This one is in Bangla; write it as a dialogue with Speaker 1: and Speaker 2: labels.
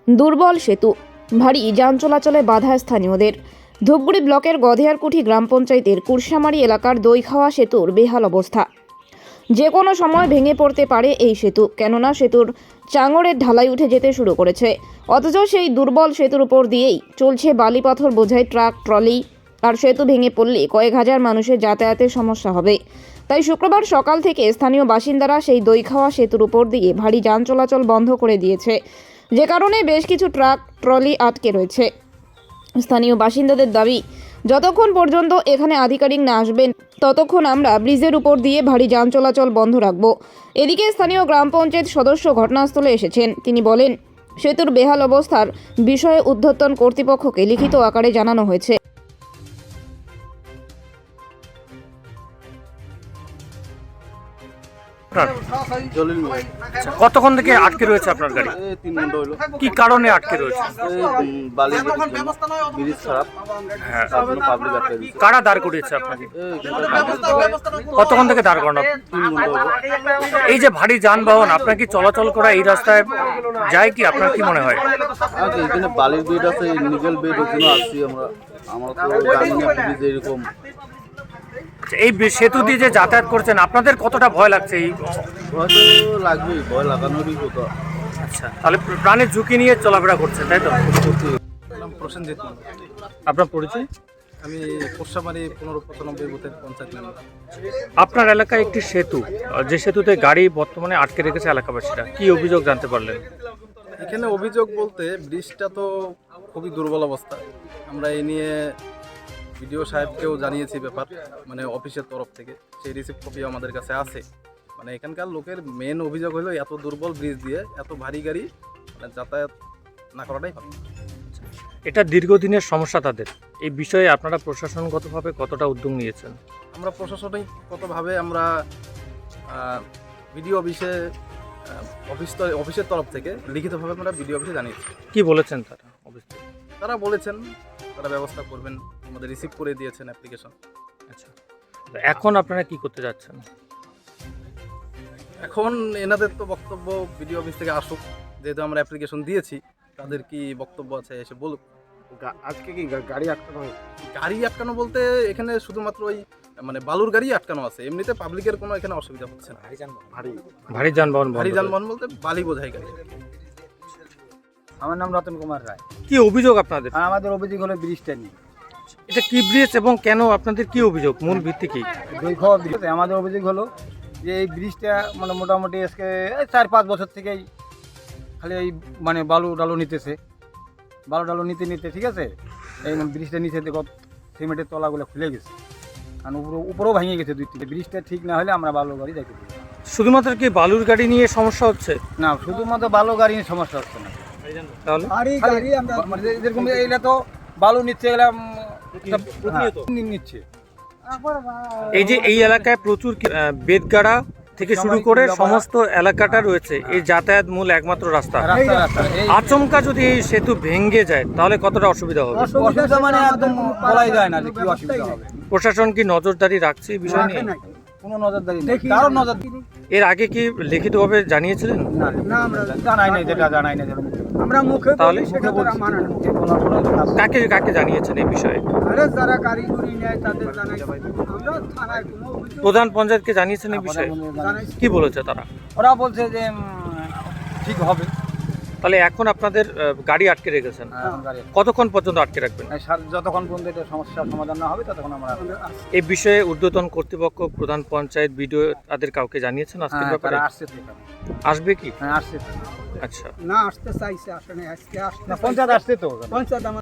Speaker 1: দুর্বল সেতু, ভারী যান চলাচলে বাধা স্থানীয়দের। ধূপগুড়ি ব্লকের গধেয়ারকুঠি গ্রাম পঞ্চায়েতের কুরসামারি এলাকার দইখাওয়া সেতুর বেহাল অবস্থা। যে কোনো সময় ভেঙে পড়তে পারে এই সেতু, কেননা সেতুর চাঙড়ের ঢালাই উঠে যেতে শুরু করেছে। অথচ সেই দুর্বল সেতুর উপর দিয়েই চলছে বালি পাথর বোঝাই ট্রাক, ট্রলি। আর সেতু ভেঙে পড়লে কয়েক হাজার মানুষের যাতায়াতের সমস্যা হবে। তাই শুক্রবার সকাল থেকে স্থানীয় বাসিন্দারা সেই দইখাওয়া সেতুর উপর দিয়ে ভারী যান চলাচল বন্ধ করে দিয়েছে, যে কারণে বেশ কিছু ট্রাক, ট্রলি আটকে রয়েছে। স্থানীয় বাসিন্দাদের দাবি, যতক্ষণ পর্যন্ত এখানে আধিকারিক না আসবেন ততক্ষণ আমরা ব্রিজের উপর দিয়ে ভারী যান চলাচল বন্ধ রাখব। এদিকে স্থানীয় গ্রাম পঞ্চায়েত সদস্য ঘটনাস্থলে এসেছেন। তিনি বলেন, সেতুর বেহাল অবস্থার বিষয়ে ঊর্ধ্বতন কর্তৃপক্ষকে লিখিত আকারে জানানো হয়েছে।
Speaker 2: কতক্ষণ থেকে আটকে রয়েছে আপনার গাড়ি?
Speaker 3: 3 ঘন্টা হলো।
Speaker 2: কি কারণে আটকে রয়েছে?
Speaker 3: বালি ব্রিজ খারাপ।
Speaker 2: হ্যাঁ,
Speaker 3: তার জন্য পাবলিক আটকে দিয়েছে।
Speaker 2: কারা দাঁড় করিয়েছে আপনাকে? কতক্ষণ থেকে দাঁড় করানো?
Speaker 3: 3 ঘন্টা হলো।
Speaker 2: এই যে ভারী যানবাহন আপনার কি চলাচল করা এই রাস্তায় যায় কি, আপনার কি মনে হয়?
Speaker 3: আচ্ছা, এখানে বালির বেড আছে, নিকেল বেড, ওখানে আসছি আমরা তো জানি না ব্রিজ এরকম।
Speaker 2: এই সেতু দিয়ে যে যাতায়াত করছেন আপনাদের কতটা ভয় লাগছে? এই
Speaker 3: হয়তো লাগবেই, ভয় লাগানোরই কথা।
Speaker 2: আচ্ছা, তাহলে প্রাণের ঝুঁকি নিয়ে চলাফেরা করছেন, তাই তো?
Speaker 4: নাম প্রসেনজিৎ মণ্ডল।
Speaker 2: আপনার পরিচয়?
Speaker 4: আমি কোর্সামারি 1595 বুথের পঞ্চায়েত মেম্বার।
Speaker 2: আপনার এলাকায় একটি সেতু, যে সেতুতে গাড়ি বর্তমানে আটকে রেখেছে এলাকাবাসীরা, কি অভিযোগ জানতে পারলেন?
Speaker 4: এখানে অভিযোগ বলতে ব্রিজটা তো খুবই দুর্বল অবস্থা। আমরা এই নিয়ে বিডিও সাহেবকেও জানিয়েছি ব্যাপার, মানে অফিসের তরফ থেকে সেই রিসিপ্ট কপি আমাদের কাছে আছে। মানে এখানকার লোকের মেন অভিযোগ হলো এত দুর্বল ব্রিজ দিয়ে এত ভারী গাড়ি যাতায়াত না করাটাই ভালো।
Speaker 2: এটা দীর্ঘদিনের সমস্যা তাদের। এই বিষয়ে আপনারা প্রশাসনগতভাবে কতটা উদ্যোগ নিয়েছেন?
Speaker 4: আমরা প্রশাসনিকগতভাবে আমরা বিডিও অফিসের তরফ থেকে লিখিতভাবে আমরা বিডিও অফিসে জানিয়েছি।
Speaker 2: কি বলেছেন তারা? অবশ্যই
Speaker 4: তারা বলেছেন তারা ব্যবস্থা করবেন, আমাদের রিসিভ করে দিয়েছেন অ্যাপ্লিকেশন।
Speaker 2: আচ্ছা, তো এখন আপনারা কি করতে যাচ্ছেন?
Speaker 4: এখন এনাদের তো বক্তব্য বিডিও অফিস থেকে আসুক, যেহেতু আমরা অ্যাপ্লিকেশন দিয়েছি, তাদের কি বক্তব্য আছে এসে বলুক।
Speaker 5: আজকে কি গাড়ি আটকানো হয়?
Speaker 4: গাড়ি আটকানো বলতে এখানে শুধুমাত্র ওই মানে বালুর গাড়ি আটকানো আছে, এমনিতে পাবলিকের কোনো এখানে অসুবিধা হচ্ছে না।
Speaker 2: ভারী যানবাহন
Speaker 4: ভারী যানবাহন বলতে বালি বোঝাই গাড়ি।
Speaker 5: আমার নাম রতন কুমার রায়।
Speaker 2: কি অভিযোগ আপনাদের?
Speaker 5: আর আমাদের অভিযোগ হলো ব্রিজটা নিয়ে।
Speaker 2: এটা কি ব্রিজ এবং কেন, আপনাদের কি অভিযোগ, মূল ভিত্তি কি?
Speaker 5: দইখাওয়া ব্রিজ। আমাদের অভিযোগ হলো যে এই ব্রিজটা মানে মোটামুটি আজকে 4-5 বছর থেকেই খালি এই মানে বালু ডালু নিতে ঠিক আছে, এই ব্রিজটা নিচে দেখো সিমেন্টের তলাগুলো খুলে গেছে, আর উপরেও ভেঙে গেছে 2-3। ব্রিজটা ঠিক না হলে আমরা বালু গাড়ি দেখতে পাবো।
Speaker 2: শুধুমাত্র কি বালুর গাড়ি নিয়ে সমস্যা হচ্ছে?
Speaker 5: না, শুধুমাত্র বালু গাড়ি নিয়ে সমস্যা হচ্ছে না।
Speaker 2: তাহলে
Speaker 5: যেরকম এইটা তো বালু নিচ্ছে, এগুলা নিচ্ছে।
Speaker 2: এই যে এই এলাকায় প্রচুর বেদগাড়া থেকে শুরু করে সমস্ত এলাকাটা রয়েছে, এই যাতায়াত মূল একমাত্র রাস্তা। আচমকা যদি এই সেতু ভেঙে যায় তাহলে কতটা অসুবিধা হবে?
Speaker 5: অসুবিধা মানে একদম বলাই যায় না যে কি অসুবিধা হবে।
Speaker 2: প্রশাসন কি নজরদারি রাখছে এই বিষয় নিয়ে?
Speaker 5: কোনো নজরদারি নেই, কারো নজরদারি।
Speaker 2: এর আগে কি লিখিতভাবে জানিয়েছিলেন?
Speaker 5: না, আমরা জানাই না আমরা মুখে
Speaker 2: তাহলে
Speaker 5: কাকে
Speaker 2: কাকে জানিয়েছেন এই বিষয়ে?
Speaker 5: যারা কারিগরি নেয় তাদের জানাই। আমরা থানায় কোনো অভিযোগ,
Speaker 2: প্রধান পঞ্চায়েতকে জানিয়েছেন এই বিষয়ে? কি বলেছে তারা?
Speaker 5: ওরা বলছে যে ঠিক হবে।
Speaker 2: তাহলে এখন আপনাদের গাড়ি আটকে রেখেছেন, কতক্ষণ পর্যন্ত আটকে রাখবেন?
Speaker 5: যতক্ষণ পর্যন্ত এটা সমস্যার সমাধান না হবে ততক্ষণ আমরা।
Speaker 2: এই বিষয়ে ঊর্ধ্বতন কর্তৃপক্ষ, প্রধান পঞ্চায়েত, বিডিও তাদের কাউকে জানিয়েছেন আজকের ব্যাপারে? আসবে কি?
Speaker 5: আসছে।
Speaker 2: আচ্ছা,
Speaker 5: না আসতে চাইছে, আসলে আজকে আসতে পঞ্চায়েত আসছে তো। পঞ্চায়েত